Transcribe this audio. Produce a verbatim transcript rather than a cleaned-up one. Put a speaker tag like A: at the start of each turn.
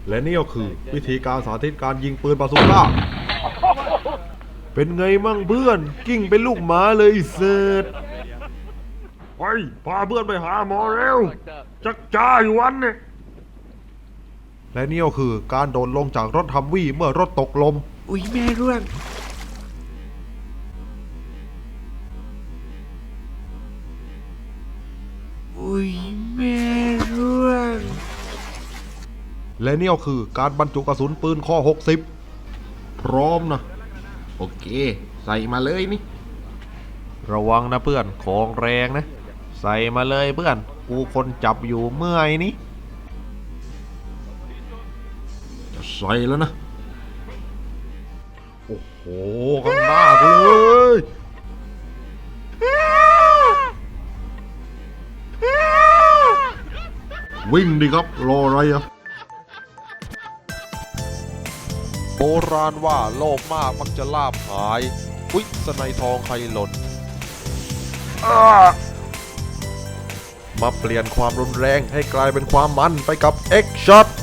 A: และนี่ก็คือวิธีการสาธิตการยิงปืนบาซูก้าเป็นไงมั่งเพื่อนกิ้งเป็นลูกหมาเลยเสร็จไปพาเพื่อนไปหาหมอเร็วจักจ้าอยู่วันเนี่ยและนี่ก็คือการโดดลงจากรถฮัมวี่เมื่อรถตกลม
B: อุ้ยแม่ร่วงอุ้ยแม่ร่วง
A: และนี่ก็คือการบรรจุกระสุนปืนข้อหกสิบพร้อมนะ
B: โอเคใส่มาเลยนี่
A: ระวังนะเพื่อนของแรงนะใส่มาเลยเพื่อนกูคนจับอยู่เมื่อยนี้จะใส่แล้วนะโอ้โหข้างหน้ากูเลยวิ่งดิครับรออะไรอะโบราณว่าโลภมากมักจะลาภหายอุ๊ยสไนทองใครหล่นมาเปลี่ยนความรุนแรงให้กลายเป็นความมันไปกับ X Shot